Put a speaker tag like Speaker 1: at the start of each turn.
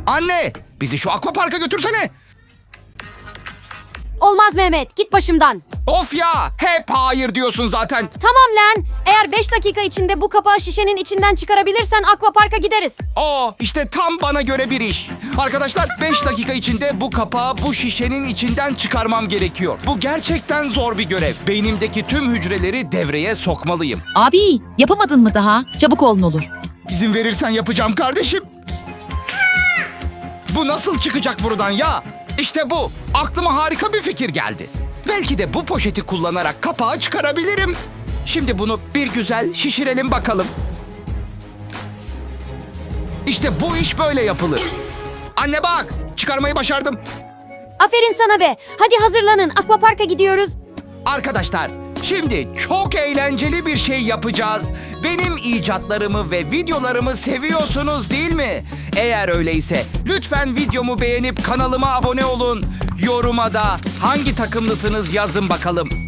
Speaker 1: Anne, bizi şu akvaparka götürsene.
Speaker 2: Olmaz Mehmet, git başımdan.
Speaker 1: Of ya, hep hayır diyorsun zaten.
Speaker 2: Tamam lan. Eğer 5 dakika içinde bu kapağı şişenin içinden çıkarabilirsen akvaparka gideriz.
Speaker 1: İşte tam bana göre bir iş. Arkadaşlar 5 dakika içinde bu kapağı bu şişenin içinden çıkarmam gerekiyor. Bu gerçekten zor bir görev. Beynimdeki tüm hücreleri devreye sokmalıyım.
Speaker 3: Abi yapamadın mı daha? Çabuk ol ne olur.
Speaker 1: İzin verirsen yapacağım kardeşim. Bu nasıl çıkacak buradan ya? İşte bu. Aklıma harika bir fikir geldi. Belki de bu poşeti kullanarak kapağı çıkarabilirim. Şimdi bunu bir güzel şişirelim bakalım. İşte bu iş böyle yapılır. Anne bak, çıkarmayı başardım.
Speaker 2: Aferin sana be. Hadi hazırlanın, akvaparka gidiyoruz.
Speaker 1: Arkadaşlar, şimdi çok eğlenceli bir şey yapacağız. Benim icatlarımı ve videolarımı seviyorsunuz değil mi? Eğer öyleyse lütfen videomu beğenip kanalıma abone olun. Yoruma da hangi takımlısınız yazın bakalım.